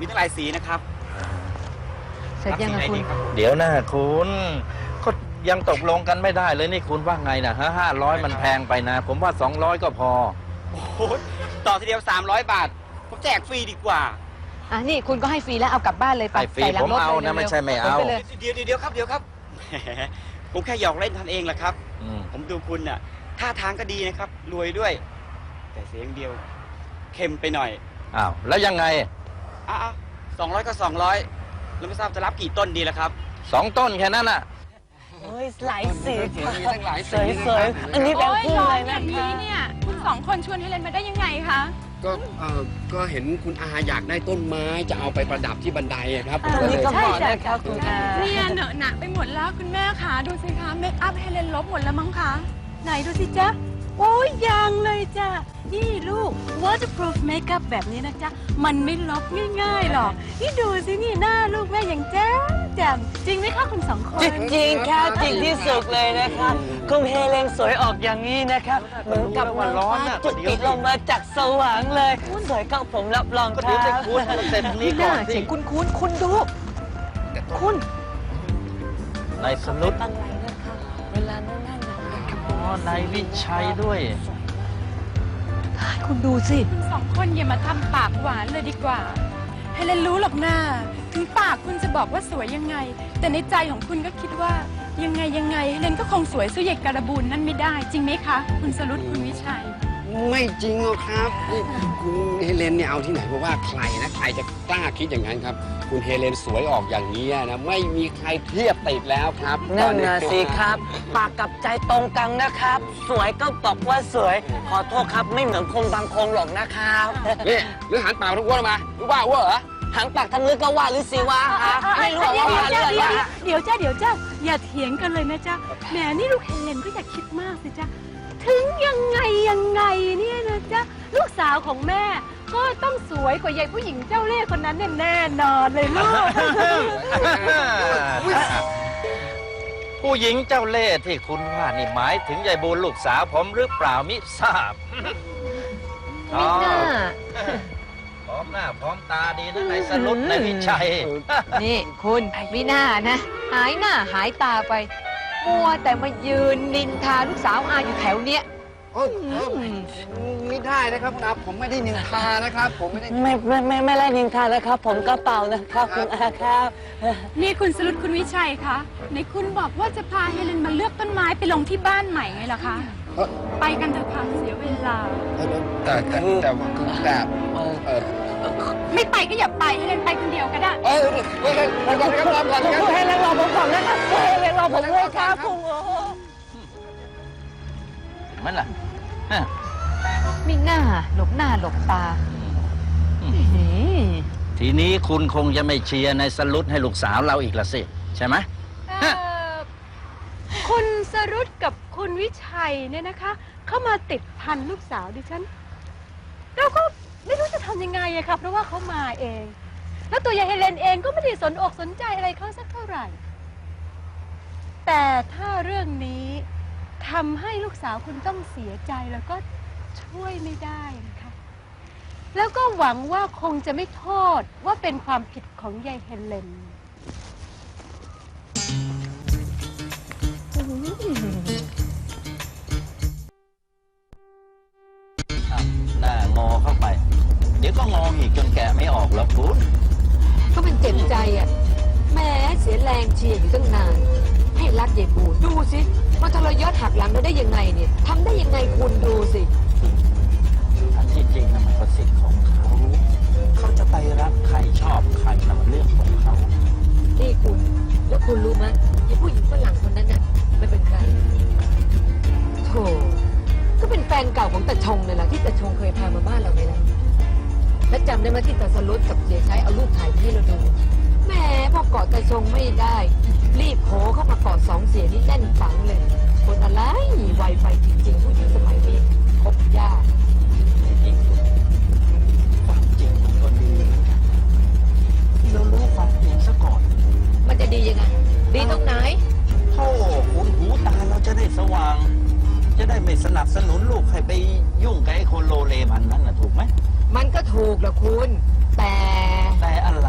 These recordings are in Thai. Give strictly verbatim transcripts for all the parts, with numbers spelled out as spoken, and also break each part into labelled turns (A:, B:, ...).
A: มีทั้งหลายสีนะครับ
B: เสร็จยังไงคุณ
C: เดี๋ยวนะคุณก็ยังตกลงกันไม่ได้เลยนี่คุณว่าไงนะฮะห้าร้อยมันแพงไปนะผมว่าสองร้อยก็พอ
A: โอ้โหต่อทีเดียวสามร้อยบาทผมแจกฟรีดีกว่า
B: อ่ะนี่คุณก็ให้ฟรีแล้วเอากลับบ้านเลยไป
C: ฟรีผมเอานะไม่ใช่ไม่เอา
A: เดี๋ยวเดี๋ยวครับเดี๋ยวครับผมแค่หยอกเล่นท่านเองแหละครับผมดูคุณน่ะท่าทางก็ดีนะครับรวยด้วยแต่เสียงเดียวเค็มไปหน่อย
C: อ้าวแล้วยังไง
A: อ้าวสองร้อยก็สองร้อยแล้วไม่ทราบจะรับกี่ต้นดีล่ะครับ
C: สองต้นแค่นั้นน่ะ
B: เฮ้ยหลายสี
A: มีตั้งหลายสี
B: สวยๆอันนี้แบบคู่เลยนะคะ
D: เนี่ยคุณสองคนชวนเฮเลนมาได้ยังไงคะ
E: ก็เออก็เห็นคุณอาอยากได้ต้นไม้จะเอาไปประดับที่บันไดครับ
B: อันนี้ก็เหมาะนะคะคุณอา
D: เนี่ยเหนอะหนักไปหมดแล้วคุณแม่คะดูสิคะเมคอัพเฮเลนลบหมดแล้วมั้งคะไหนดูสิจ๊ะโอ้ยยังเลยจ้ะนี่ลูก waterproof makeup แบบนี้นะจ๊ะมันไม่ลบง่ายๆหรอกนี่ดูสินี่หน้าลูกแม่อย่างแจ่มแจ่มจริงไหมคะคุณสองคน
B: จริงๆค่ะจริงที่สุดเลยนะคะคุณเฮเลนสวยออกอย่างนี้นะคะเหมือนกับว่าร้อนจุดติดลงมาจากสว่างเลยสวยก็ผมรับรองค่ะ
C: เดี๋ยวคุณเสร็จนี้ก่อนสิ
B: คุณคุณคุณดูคุณ
C: นายสนุก
B: อะไรนะคะเวลานั่งนั่ง
C: อ๋อนายวิชัยด้วย
B: คุณดูสิ
D: คุณสองคนอย่ามาทำปากหวานเลยดีกว่าเฮเลนรู้หรอกหน้าถึงปากคุณจะบอกว่าสวยยังไงแต่ในใจของคุณก็คิดว่ายังไงยังไงเฮเลนก็คงสวยสู้ใหญ่การบูนนั่นไม่ได้จริงไหมคะคุณสรุตคุณวิชัย
E: ไม่จริงหรอกครับนี่คุณเฮเลนเนี่ยเอาที่ไหนเพราะว่าใครนะใครจะกล้าคิดอย่างนั้นครับคุณเฮเลนสวยออกอย่างนี้นะไม่มีใครเทียบติดแล้วครับ
B: นั่นนะสิครับปากกับใจตรงกันนะครับสวยก็บอกว่าสวยขอโทษครับไม่เหมือนคนบางคนหรอกนะครับ
E: นี่หรือหันปากทั้งอ้วนมาหรือว่าอ้วนเหรอ
B: หางปากทำมือก็ว่าหรือสิวะคะไม่รู้ว่าว่าเรื่องอะไร
D: เดี๋ยวจ้าเดี๋ยวจ้าอย่าเถียงกันเลยนะจ้าแหมนี่ลูกเฮเลนก็อย่าคิดมากสิจ้าถึงยังไงยังไงเนี่ยนะจ๊ะลูกสาวของแม่ก็ต้องสวยกว่ายายผู้หญิงเจ้าเล่ห์คนนั้นแน่นอนเลยลูก
C: ผู้หญิงเจ้าเล่ห์ที่คุณว่านี่หมายถึงยายบูลลูกสาวผมหรือเปล่ามิทราบ
B: มิน่า
C: พร้อมหน้าพร้อมตาดีนะนายสรุปนายวิชัย
B: นี่คุณมิน่านะหายหน้าหายตาไปมัวแต่มายืนนินทาลูกสาวอาอยู่แถวเนี้ย
E: ไม่ได้นะครับคุณอาผมไม่ได้นินทานะครับผมไม่ได้
B: ไม่ไม่ไม่ไม่ได้นินทาแล้วครับผมก็เป่านะครับคุณอาครับ
D: นี่คุณสรุตคุณวิชัยคะในคุณบอกว่าจะพาเฮเลนมาเลือกต้นไม้ไปลงที่บ้านใหม่ไงล่ะคะไปกันเถอะค่ะเสียเวลา
E: แต่แต่แต่คือแต่
D: ไม่ไปก็อย่าไปเฮเลนไปคนเดียวก็ได้
E: เออเฮเลนรอก่อนครับรอก่อนครับ
B: เฮเลนรอผมก่อนนะครับเฮเลนรอผมด้วยครับคุณ
C: มันล่ะ
B: มีหน้าหลบหน้าหลบตา
C: ทีนี้คุณคงจะไม่เชียร์ในสรุตให้ลูกสาวเราอีกละสิใช่ไหม
D: คุณสรุตกับคุณวิชัยเนี่ยนะคะเข้ามาติดพันลูกสาวดิฉันเราก็ไม่รู้จะทำยังไงอะค่ะเพราะว่าเขามาเองแล้วตัวยายเฮเลนเองก็ไม่ได้สนอกสนใจอะไรเขาสักเท่าไหร่แต่ถ้าเรื่องนี้ทำให้ลูกสาวคุณต้องเสียใจแล้วก็ช่วยไม่ได้นะคะแล้วก็หวังว่าคงจะไม่โทษว่าเป็นความผิดของยายเฮเลน
C: หน้างอเข้าไปเดี๋ยวก็งออีกจนแกะไม่ออกแล้วคุณ
B: ก็มันเจ็บใจอ่ะแม้เสียแรงเชียร์อยู่ตั้งนานให้รักยายบูดูสิมาทรยศหักหลังเราได้ยังไงเนี่ยทำได้ยังไงคุณดูสิ
C: อันที่จริงนะมันก็สิทธิ์ของเขาเขาจะไปรักใครชอบใครนั่นเรื่องของเขา
B: นี่คุณแล้วคุณรู้ไหมไอ้ผู้หญิงฝรั่งคนนั้นน่ะไม่เป็นใครโธ่ก็เป็นแฟนเก่าของตาชงเลยล่ะที่ตาชงเคยพามาบ้านเราไงล่ะแล้วจำได้ไหมที่ตาสรุตกับเสียชัยเอารูปถ่ายให้เราดูแหมพอเกาะตาชงไม่ได้รีบโผล่เข้ามาเกาะสองเสียนี่แน่นฝังเลยคนอะไรไวไฟจริงๆผู้หญิงสมัยนี้คบยาก
C: จริงความจริงมันก็ดีเรารู้ความจริงซะก่อน
B: มันจะดียังไงดีตรงไหน
C: โธ่คุณหูตาเราจะได้สว่างจะได้ไม่สนับสนุนลูกให้ไปยุ่งกับไอ้คนโลเลมันนั่นน่ะถูกไหม
B: มันก็ถูกแหละคุณแต่
C: แต่อะไร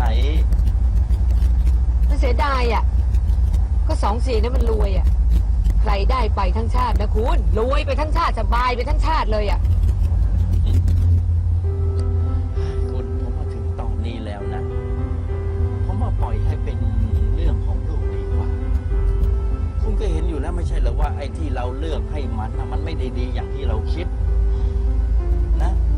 B: เสียดายอ่ะก็สองสี่นั้นมันรวยอ่ะใครได้ไปทั้งชาตินะคุณรวยไปทั้งชาติสบายไปทั้งชาติเลยอ่ะ
C: คุณผมมาถึงตอนนี้แล้วนะผมว่าปล่อยให้เป็นเรื่องของลูกดีกว่าคุณก็เห็นอยู่แล้วไม่ใช่เหรอว่าไอ้ที่เราเลือกให้มันน่ะมันไม่ได้ดีอย่างที่เราคิดนะ